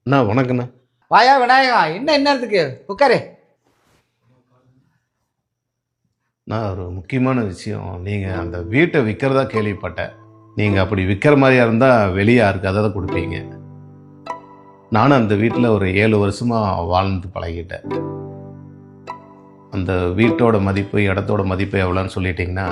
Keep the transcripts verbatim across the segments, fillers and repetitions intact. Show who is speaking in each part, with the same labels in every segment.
Speaker 1: அண்ணா வணக்கண்ணா.
Speaker 2: வாயா விநாயகா, என்ன என்னத்துக்கு உட்காரு.
Speaker 1: நான் ஒரு முக்கியமான விஷயம், நீங்கள் அந்த வீட்டை விற்கிறதா கேள்விப்பட்டேன். நீங்கள் அப்படி விற்கிற மாதிரியா இருந்தால் வெளியே யாருக்கு அதை தான் கொடுப்பீங்க. நானும் அந்த வீட்டில் ஒரு ஏழு வருஷமாக வாழ்ந்து பழகிட்டேன். அந்த வீட்டோட மதிப்பு, இடத்தோட மதிப்பு எவ்வளோன்னு சொல்லிட்டீங்கன்னா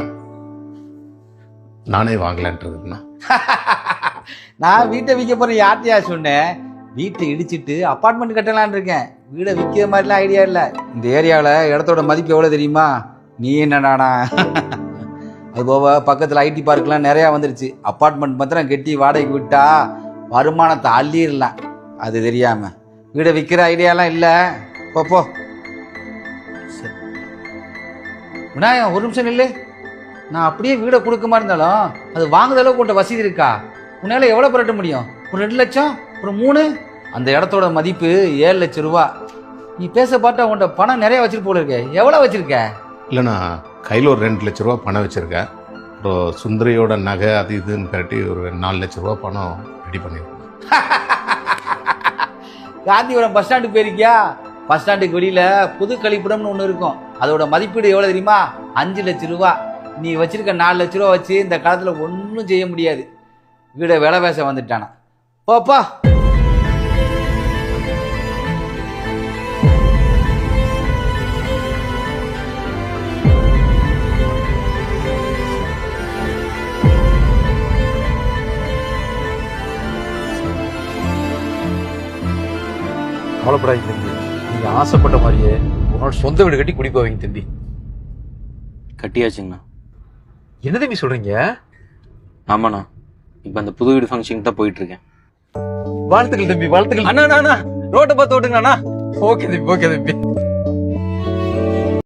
Speaker 1: நானே வாங்கலான்ட்டு இருக்குண்ணா.
Speaker 2: நான் வீட்டை விற்க போறேன் யார்ட்டையா சொன்னேன்? வீட்டை இடிச்சிட்டு அப்பார்ட்மெண்ட் கட்டலான் இருக்கேன். வீடை விற்கிற மாதிரிலாம் ஐடியா இல்லை. இந்த ஏரியாவில் இடத்தோட மதிப்பு எவ்வளோ தெரியுமா? நீ என்னடானா? அது போக பக்கத்தில் ஐடி பார்க்லாம் நிறையா வந்துருச்சு. அப்பார்ட்மெண்ட் மாத்திரம் கட்டி வாடகைக்கு விட்டா வருமானத்தை அள்ளிடலாம். அது தெரியாம வீடை விற்கிற ஐடியாலாம் இல்லை. போ விநாயகம், ஒரு நிமிஷம் இல்லை. நான் அப்படியே வீடை கொடுக்குமா இருந்தாலும் அது வாங்குற அளவுக்கு உன்ட்ட வசதி இருக்கா? உன்னால எவ்வளோ புரட்ட முடியும்? ஒரு ரெண்டு லட்சம், ஒரு மூணு. அந்த இடத்தோட மதிப்பு ஏழு லட்சம் ரூபா. நீ பேச பார்த்தா உன்ட்ட பணம் நிறைய வச்சிருக்க போல இருக்க. எவ்வளோ வச்சிருக்க?
Speaker 1: இல்லைண்ணா, கையில் ஒரு ரெண்டு லட்ச ரூபா பணம் வச்சுருக்கேன். அப்புறம் சுந்தரியோட நகை அது இதுன்னு கட்டி ஒரு நாலு லட்ச ரூபா பணம் ரெடி பண்ணியிருக்கேன்.
Speaker 2: காந்திபுரம் பஸ் ஸ்டாண்டுக்கு போயிருக்கியா? பஸ் ஸ்டாண்டுக்கு வெளியில புது கழிப்பிடம்னு ஒன்று இருக்கும். அதோட மதிப்பீடு எவ்வளோ தெரியுமா? அஞ்சு லட்சம் ரூபா. நீ வச்சிருக்க நாலு லட்ச ரூபா வச்சு இந்த காலத்தில் ஒன்றும் செய்ய முடியாது. வீடை விலை பேச வந்துட்டானா? போப்பா.
Speaker 3: கவலைப்படாதீங்க தம்பி, நீங்க ஆசைப்பட்ட மாதிரியே உன்னோட சொந்த வீடு கட்டி குடி போவீங்க தம்பி.
Speaker 4: கட்டியாச்சுங்கண்ணா.
Speaker 3: என்ன தம்பி சொல்றீங்க?
Speaker 4: ஆமாண்ணா, இப்போ அந்த புது வீடு ஃபங்க்ஷனுக்கு தான் போயிட்டு இருக்கேன்.
Speaker 3: வாழ்த்துக்கள் தம்பி, வாழ்த்துக்கள்.
Speaker 4: அண்ணா அண்ணா ரோட்டை பார்த்து ஓட்டுங்கண்ணா.
Speaker 3: ஓகே தம்பி, ஓகே தம்பி.